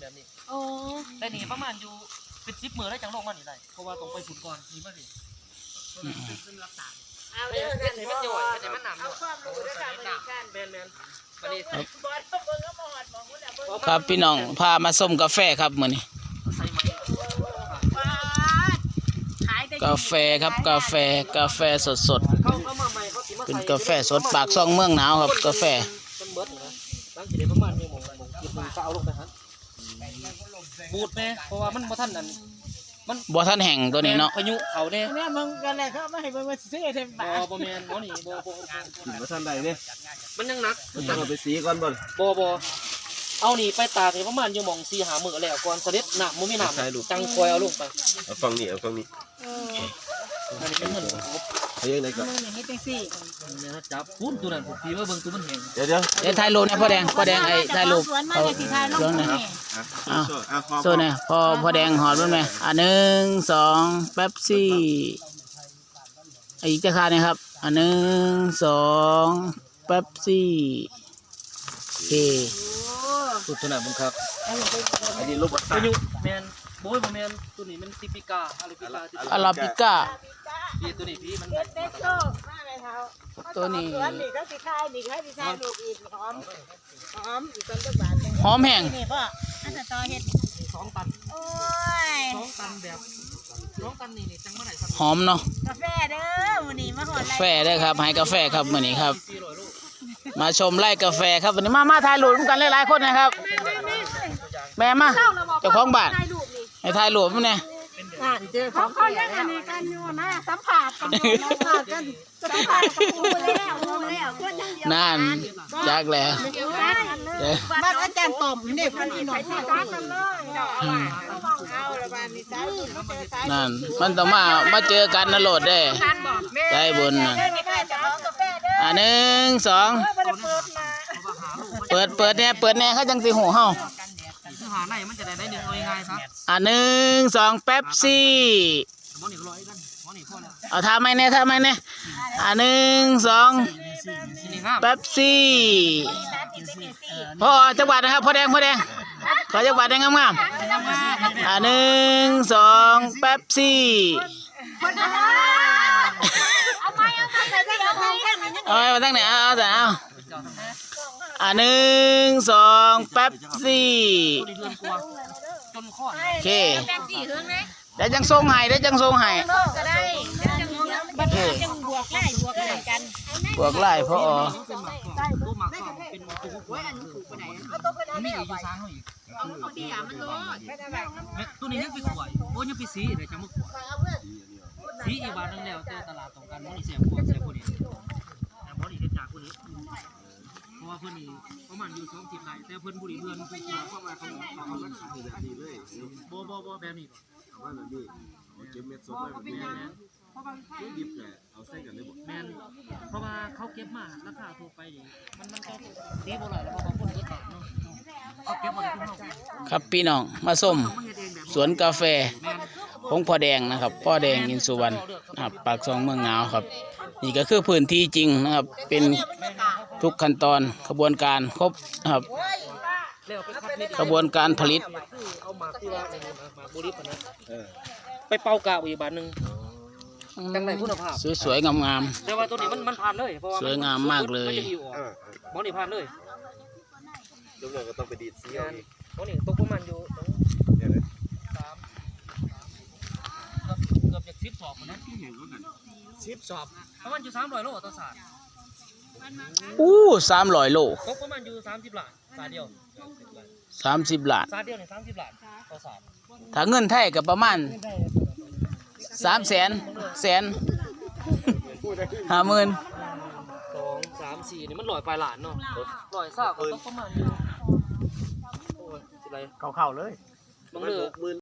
แบบนี้โอ้แต่นี่ประมาณอยู่เป็น10 มื้อได้จังลงมานี่ได้เพราะว่าต้องไปฝุ่นก่อนนี่มาดิเป็นรักษาเอาเด้อกันให้มันย่อยให้มันหนำเอาความรู้ด้วยค่ะมันกันแม่นบัดนี้บอสเบิ่งก็บ่ฮอดบ่ฮู้น่ะเบิ่งครับพี่น้องพามาส้มกาแฟครับมื้อนี้กาแฟครับกาแฟสดๆเป็นกาแฟสดปากซองเมืองหนาวครับกาแฟมันเบิดนะหลังจากนี้ประมาณ1 โมงกินมึงก็เอาลงไปฮะบูดแม่เพราะว่ามันบ่ทันนั่นมันบ่ทันแห้งตัวนี้เนาะพายุเขาเด้เนี่ยมึงกันแหละเขามาให้มึงมาซื้อเต็มปากบ่แม่นบ่นี่บ่บ่ทันได้เนี่ยมันยังหนักมันต้องเอาไปสีก่อนบ่บ่เอานี่ไปตากนี่ประมาณอยู่หม่อง4-5 มื้อแล้วก่อนเสด็จน้ำบ่มีน้ำจังคอยเอาลงไปเอาฟังนี่อันนี้เป็นเงินเอายังไงก่อนมึงอย่างนี้จังซี่เนี่ยจับปุ้นตัวนั้นผมพี่ว่าเบิ่งตัวมันแห้งเดี๋ยวถ่ายรูปนะพ่อแดงไอ้ถ่ายรูปเอาเรื่องนะโซนเนี่ยพ่อแดงหอดมันไหม1 2แป๊บซี่อีกจะคาเนี่ยครับ1 2แป๊บซี่โอเคตัวนั้นมึงครับอันนี้รูปพายุแมนโบยแมนตัวนี้มันติปิกาอาราบิก้าพี่ตัวนี้พี่มันเด็กโตมาเลยเท้าตัวนี้นี่ก็สิคายนี่ก็สิคายลูกอีกหอมอีกต้นบาทหอมแห้งนี่พ่ออันจะต่อเฮ็ด 2 ตันโอ้ย 2 ตันแบบ2 ตันนี่จังเมื่อไหร่หอมเนาะกาแฟเด้อมื้อนี้มาฮอดกาแฟเด้อครับให้กาแฟครับมื้อนี้ครับมาชมไร่กาแฟครับวันนี้มาถ่ายรูปกันหลายๆคนนะครับแม่มาเจ้าของบ้านให้ถ่ายรูปมั้ยเนี่ยเจอเขายังอันนี้กันอยู่นะสัมผัสกันสัมผัสกับกูแล้วคนทั้งเดียวนั่นจักแล้วบ้านอาจารย์ต่อมนี่เพิ่นอีหน่อยจักกันเลยเอาละบ้านนี้สายบุญมาเจอสายนั่นมันต้องมาเจอกันนะโลดเด้ใจบุญน่ะ1 2เปิดแน่เขาจังสิหูเฮาหาไหนมันจะได้1เอาง่ายๆซะ 1 2แป๊บซี่เอาทำไมเนี่ย1 2แป๊บซี่พ่อจังหวัดนะครับพ่อแดงขอจังหวัดแดงงามๆ1 2แป๊บซี่เอามาตั้งไหนเอาแต่เอา1 2แป๊บซี่โอเคเดี๋ยวจังส่งให้ก็ได้บวกไล่พ่อตัวนี้ยังไปขวดโอ้ยังไปสีเดี๋ยวจะมาขวดสีอีบาทนึงแล้วแต่ตลาดตรงกันมันเสียพวกนี้แต่พอดีจากคนนี้เพราะว่าเพื่อนนี่ประมาณอยู่2 10 ไร่แต่เพื่อนบุรีเพื่อนคือเข้ามาเขารักษาดีเลยบ่แบบนี้ว่าแบบนี้เก็บเม็ดสดไว้แบบนี้ดิบแต่เอาใส่กันได้หมดแมนเพราะว่าเขาเก็บมาราคาทั่วไปดิมันก็ดีบ่หลายแล้วเพราะบางคนก็ตัดเนาะเขาเก็บมาได้ทุกเท่าครับพี่น้องมาส้มสวนกาแฟของพ่อแดงนะครับพ่อแดงอินสุวรรณนะครับปากซองเมืองหนาวครับนี่ก็คือพื้นที่จริงนะครับเป็นทุกขั้นตอนกระบวนการครบนะครับกระบวนการผลิตเอามาที่ว่ามาบุรีปนะไปเป่ากาวอีกบาทนึงจังไรคุณภาพสวยๆงามๆแต่ว่าตัวนี้มันผ่านเลยเพราะว่าสวยงามมากเลยมอนี่ผ่านเลยทุกอย่างก็ต้องไปดีดสีมอนี่ตกประมาณอยู่เกือบจะ10 สอบนะ10 สอบประมาณอยู่300 โลต่อสาด 300 โลตกประมาณอยู่30 ล้านสาดเดียว 30 ล้านสาดเดียวเนี่ย30 ล้านต่อสาดถ้าเงินไทยก็ประมาณ300,000 50,000 2 3 4นี่มัน100 ปลายล้านเนาะ100 ซากก็ตกประมาณอยู่โอ้ยสิไรเข้าเลยบางเรื่อง